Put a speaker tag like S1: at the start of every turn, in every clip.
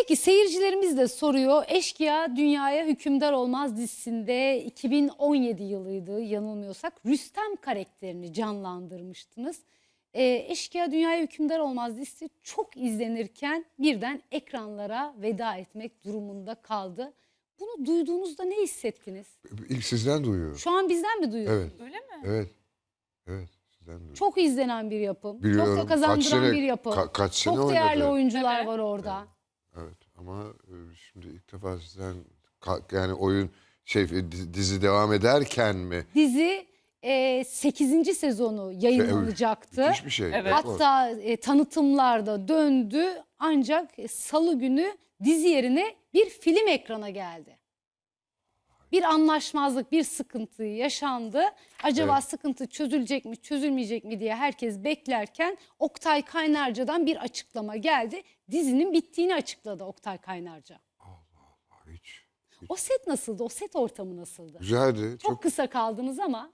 S1: Peki seyircilerimiz de soruyor. Eşkıya Dünyaya Hükümdar Olmaz dizisinde 2017 yılıydı yanılmıyorsak. Rüstem karakterini canlandırmıştınız. Eşkıya Dünyaya Hükümdar Olmaz dizisi çok izlenirken birden ekranlara veda etmek durumunda kaldı. Bunu duyduğunuzda ne hissettiniz?
S2: İlk sizden duyuyorum.
S1: Şu an bizden mi duyuyorsunuz?
S2: Evet.
S3: Öyle mi?
S2: Evet. Evet. Sizden duyuyorum.
S1: Çok izlenen bir yapım.
S2: Biliyorum.
S1: Çok da kazandıran
S2: Kaç sene-
S1: bir yapım.
S2: kaç sene
S1: Çok değerli
S2: oynadı.
S1: oyuncular
S3: Evet.
S1: var orada.
S2: Evet. Ama şimdi ilk defa sizden yani oyun dizi devam ederken mi?
S1: Dizi 8. sezonu yayınlanacaktı.
S2: Müthiş bir şey.
S3: Evet.
S2: Rekor.
S1: Hatta tanıtımlarda döndü ancak salı günü dizi yerine bir film ekrana geldi. Bir anlaşmazlık, bir sıkıntı yaşandı. Acaba
S2: Evet.
S1: sıkıntı çözülecek mi, çözülmeyecek mi diye herkes beklerken Oktay Kaynarca'dan bir açıklama geldi. Dizinin bittiğini açıkladı Oktay Kaynarca.
S2: Hiç.
S1: O set nasıldı? O set ortamı nasıldı?
S2: Güzeldi.
S1: Çok kısa kaldınız ama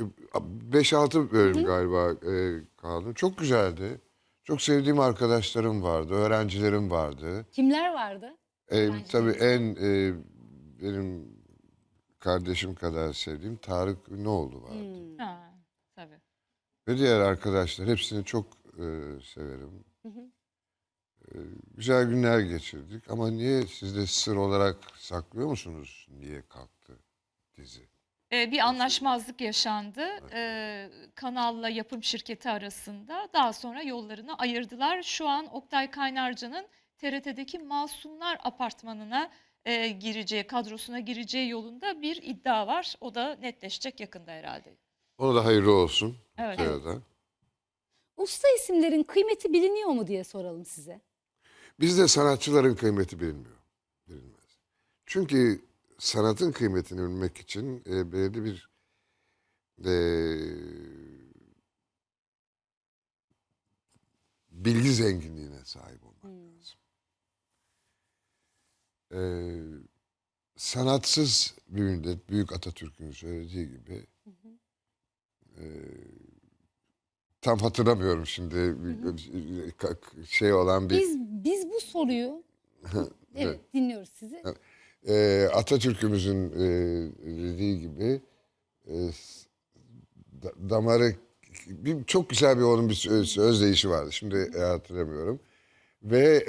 S2: 5-6 bölüm galiba kaldım. Çok güzeldi. Çok sevdiğim arkadaşlarım vardı, öğrencilerim vardı.
S1: kimler vardı?
S2: Tabii benim kardeşim kadar sevdiğim Tarık Ünlüoğlu vardı.
S3: Ha, tabii.
S2: Ve diğer arkadaşlar hepsini çok severim. Güzel günler geçirdik ama niye siz de sır olarak saklıyor musunuz niye kalktı dizi?
S3: Bir anlaşmazlık yaşandı. Kanalla yapım şirketi arasında. Daha sonra yollarını ayırdılar. Şu an Oktay Kaynarca'nın TRT'deki Masumlar Apartmanı'na kadrosuna gireceği yolunda bir iddia var. O da netleşecek yakında herhalde.
S2: Ona da hayırlı olsun.
S3: Evet.
S2: Sırada.
S1: Usta isimlerin kıymeti biliniyor mu diye soralım size.
S2: Bizde sanatçıların kıymeti bilinmez. Çünkü sanatın kıymetini bilmek için belirli bir e, bilgi zenginliğine sahip olmak lazım. Sanatsız bir millet, Büyük Atatürk'ün söylediği gibi, tam hatırlamıyorum şimdi olan bir...
S1: Biz bu soruyu evet dinliyoruz sizi.
S2: Atatürk'ümüzün dediği gibi damarı çok güzel onun bir özdeyişi vardı. Şimdi hatırlamıyorum. Ve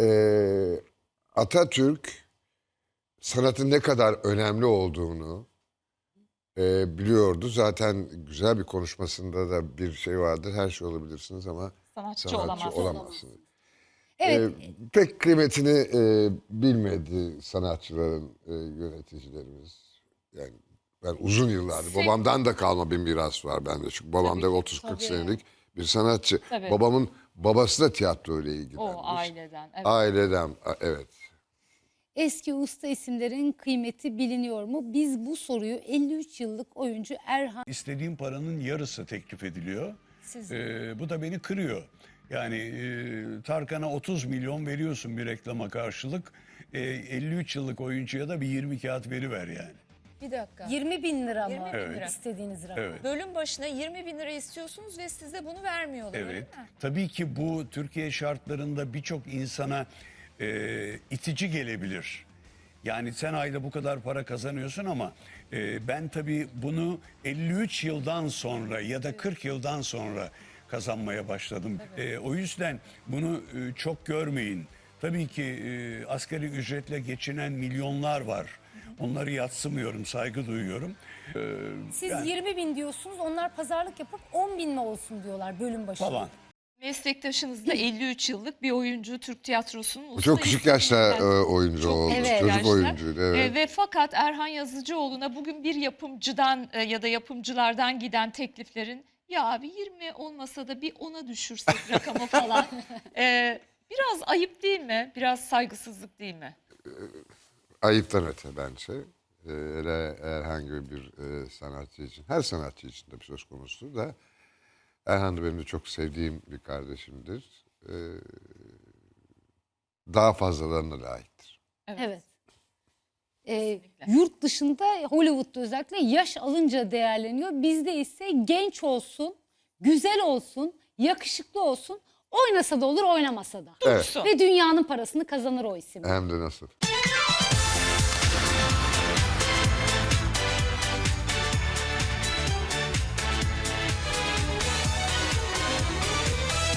S2: Atatürk sanatın ne kadar önemli olduğunu biliyordu. Zaten güzel bir konuşmasında da bir şey vardır. Her şey olabilirsiniz ama
S3: Sanatçı olamazsınız.
S1: Evet.
S2: Pek kıymetini bilmedi sanatçıların yöneticilerimiz. Yani ben uzun yıllardır babamdan da kalma bir miras var bende. Çünkü babam da 30-40 senelik bir sanatçı.
S3: Tabii.
S2: Babamın babası da tiyatro ile ilgilenmiş.
S3: O aileden. Evet.
S2: Aileden, evet.
S1: Eski usta isimlerin kıymeti biliniyor mu? Biz bu soruyu 53 yıllık oyuncu Erhan
S4: İstediğim paranın yarısı teklif ediliyor. Bu da beni kırıyor. Yani Tarkan'a 30 milyon veriyorsun bir reklama karşılık. 53 yıllık oyuncuya da bir 20 kağıt veriver yani.
S5: Bir dakika.
S1: 20 bin lira mı
S5: 20 bin lira.
S1: istediğiniz rakam?
S4: Evet.
S5: Bölüm başına 20 bin lira istiyorsunuz ve size bunu vermiyorlar. öyle
S4: Evet.
S5: mi?
S4: Tabii ki bu Türkiye şartlarında birçok insana itici gelebilir. Yani sen ayda bu kadar para kazanıyorsun ama ben tabii bunu 53 yıldan sonra ya da 40 yıldan sonra kazanmaya başladım. O yüzden bunu çok görmeyin. Tabii ki asgari ücretle geçinen milyonlar var. Onları yadsımıyorum, saygı duyuyorum.
S1: Siz
S4: Yani
S1: 20 bin diyorsunuz, onlar pazarlık yapıp 10 bin mi olsun diyorlar bölüm başına.
S4: falan.
S3: Meslektaşınız da 53 yıllık bir oyuncu, Türk tiyatrosunun usta
S2: Çok küçük yaşta
S3: isimlerinden.
S2: oyuncu
S3: Çok
S2: oldu.
S1: evet,
S2: Çocuk
S3: yaşta.
S2: oyuncuydu. Evet.
S3: Ve fakat Erhan Yazıcıoğlu'na bugün bir yapımcıdan ya da yapımcılardan giden tekliflerin ya abi 20 olmasa da bir 10'a düşürsek rakamı falan. Biraz ayıp değil mi? Biraz saygısızlık değil mi?
S2: Ayıptan öte bence. Hele herhangi bir sanatçı için, her sanatçı için de bir söz konusu da Erhan da benim de çok sevdiğim bir kardeşimdir. Daha fazlalarına layıktır.
S1: Evet. Yurt dışında Hollywood'da özellikle yaş alınca değerleniyor. Bizde ise genç olsun, güzel olsun, yakışıklı olsun Oynasa da olur, oynamasa da.
S2: Evet.
S1: Ve dünyanın parasını kazanır o isim.
S2: Hem de nasıl.